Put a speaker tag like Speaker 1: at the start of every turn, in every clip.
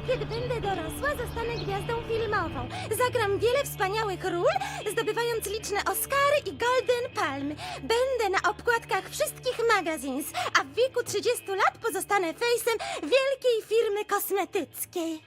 Speaker 1: Kiedy będę dorosła, zostanę gwiazdą filmową. Zagram wiele wspaniałych ról, zdobywając liczne Oscary i Golden Palmy. Będę na okładkach wszystkich magazines, a w wieku 30 lat pozostanę fejsem wielkiej firmy kosmetyckiej.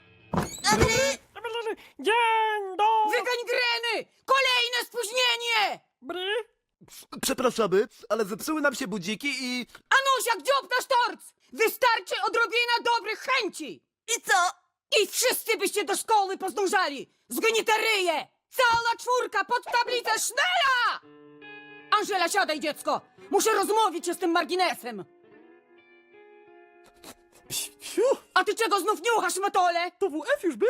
Speaker 2: Dzień dobry!
Speaker 3: Wygangreny! Kolejne spóźnienie!
Speaker 4: Przepraszamy, ale zepsuły nam się budziki i...
Speaker 3: Anusia, gdzie obnasz torc? Wystarczy odrobina dobrych chęci! I co? I wszyscy byście do szkoły pozdążali! Zgnite ryje! Cała czwórka pod tablicę Sznela! Angela, siadaj, dziecko! Muszę rozmówić się z tym marginesem!
Speaker 2: Fiu,
Speaker 3: A ty czego znów niuchasz, Matole?
Speaker 2: to WF już był?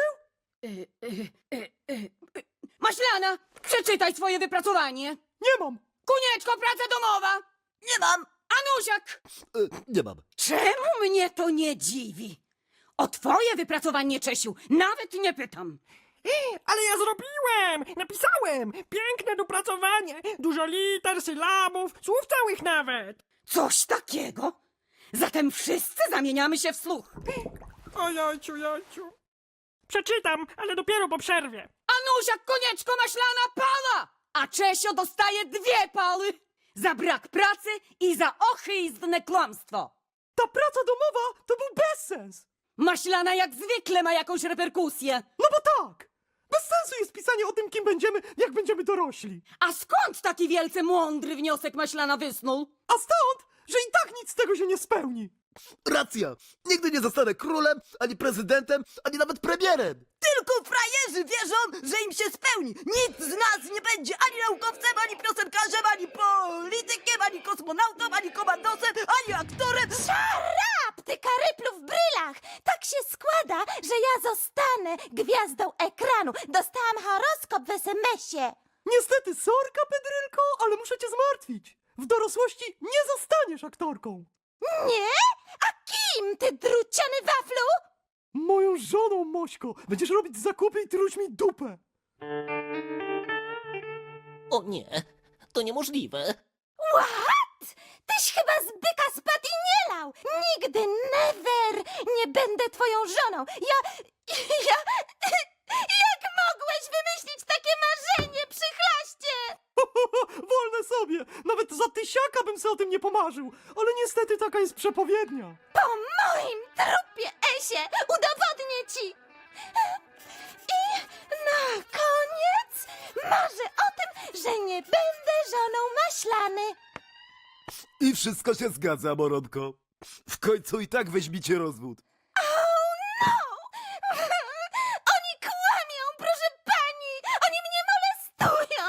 Speaker 3: Maślana, przeczytaj swoje wypracowanie!
Speaker 2: Nie mam.
Speaker 3: Kunieczko, praca domowa! Nie mam! Anusiak!
Speaker 4: nie mam.
Speaker 3: Czemu mnie to nie dziwi? O twoje wypracowanie, Czesiu, nawet nie pytam.
Speaker 2: Ale ja zrobiłem! Napisałem! Piękne dopracowanie! Dużo liter, sylabów, słów całych nawet!
Speaker 3: Coś takiego? Zatem wszyscy zamieniamy się w słuch.
Speaker 2: O jajciu, jajciu. Przeczytam, ale dopiero po przerwie.
Speaker 3: Anusiak, Konieczko, Maślana, pala! A Czesio dostaje 2 paly. Za brak pracy i za ochyistne kłamstwo.
Speaker 2: Ta praca domowa to był bezsens!
Speaker 3: Maślana jak zwykle ma jakąś reperkusję.
Speaker 2: No bo tak! Bez sensu jest pisanie o tym, kim będziemy, jak będziemy dorośli.
Speaker 3: A skąd taki wielce mądry wniosek Maślana wysnuł?
Speaker 2: A stąd, że i tak nic z tego się nie spełni.
Speaker 4: Racja! Nigdy nie zostanę królem, ani prezydentem, ani nawet premierem!
Speaker 5: Tylko frajerzy wierzą, że im się spełni. Nikt z nas nie będzie ani naukowcem, ani piosenkarzem, ani politykiem, ani kosmonautą, ani komandosem, ani aktorem.
Speaker 1: Szarap, ty karyplu w brylach! Tak się składa, że ja zostanę gwiazdą ekranu. Dostałam horoskop w SMS-ie.
Speaker 2: Niestety, sorka, Pedrylko, ale muszę cię zmartwić. W dorosłości nie zostaniesz aktorką.
Speaker 1: Nie? A kim, ty druciany waflu?
Speaker 2: Moją żoną, Mośko. Będziesz robić zakupy i truć mi dupę.
Speaker 6: O nie, to niemożliwe.
Speaker 1: What? Tyś chyba z byka spadł i nie lał. Nigdy, never nie będę twoją żoną. Jak mogłeś wymyślić takie marzenie, przychlaście?
Speaker 2: Wolne sobie. Nawet za tysiaka bym sobie o tym nie pomarzył. Ale niestety taka jest przepowiednia.
Speaker 1: Po moim trupie, Esie, udowodnię ci. I na koniec marzę o tym, że nie będę żoną maślany.
Speaker 4: I wszystko się zgadza, Moronko. W końcu i tak weźmicie rozwód.
Speaker 1: Oh no! Oni kłamią, proszę pani! Oni mnie molestują!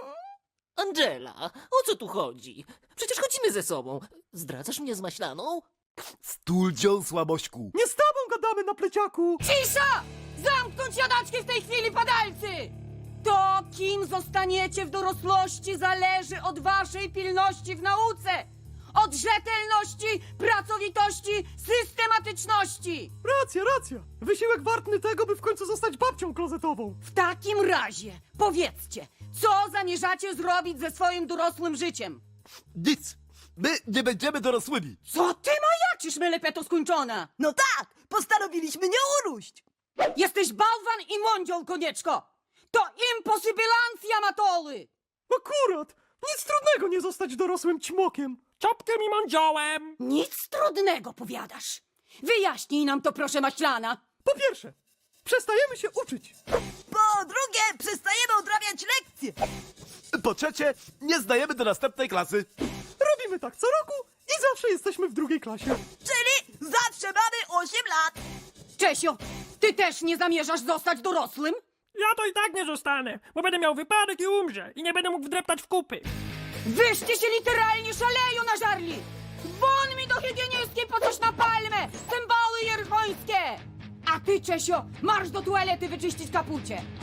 Speaker 6: Angela, o co tu chodzi? Przecież chodzimy ze sobą. Zdradzasz mnie z Maślaną?
Speaker 4: Stuldzią, słabośku.
Speaker 2: Nie z tobą gadamy na pleciaku.
Speaker 3: Cisza! Zamknąć jadaczki w tej chwili, padalcy! To, kim zostaniecie w dorosłości, zależy od waszej pilności w nauce! Od rzetelności, pracowitości, systematyczności!
Speaker 2: Racja. Wysiłek wartny tego, by w końcu zostać babcią klozetową.
Speaker 3: W takim razie powiedzcie, co zamierzacie zrobić ze swoim dorosłym życiem?
Speaker 4: Nic! My nie będziemy dorosłymi!
Speaker 3: Co ty majaczysz, melepeto skończona?
Speaker 5: No tak, postanowiliśmy nie uróść.
Speaker 3: Jesteś bałwan i mądziol, Konieczko! To imposybilancja, matoły!
Speaker 2: Akurat. Nic trudnego nie zostać dorosłym ćmokiem. Czopkiem i mądziołem.
Speaker 3: Nic trudnego, powiadasz. Wyjaśnij nam to, proszę, Maślana.
Speaker 2: Po pierwsze, przestajemy się uczyć.
Speaker 5: Po drugie, przestajemy odrabiać lekcje.
Speaker 4: Po trzecie, nie zdajemy do następnej klasy.
Speaker 2: Robimy tak co roku i zawsze jesteśmy w drugiej klasie.
Speaker 5: Czyli zawsze mamy 8 lat.
Speaker 3: Czesio, ty też nie zamierzasz zostać dorosłym?
Speaker 2: Ja to i tak nie zostanę, bo będę miał wypadek i umrze i nie będę mógł wdreptać w kupy.
Speaker 3: Wyście się literalnie szaleją na żarli! Won mi do higienistki po coś na palmę! Cymbały jerchońskie! A ty, Czesio, marsz do toalety wyczyścić kapucie!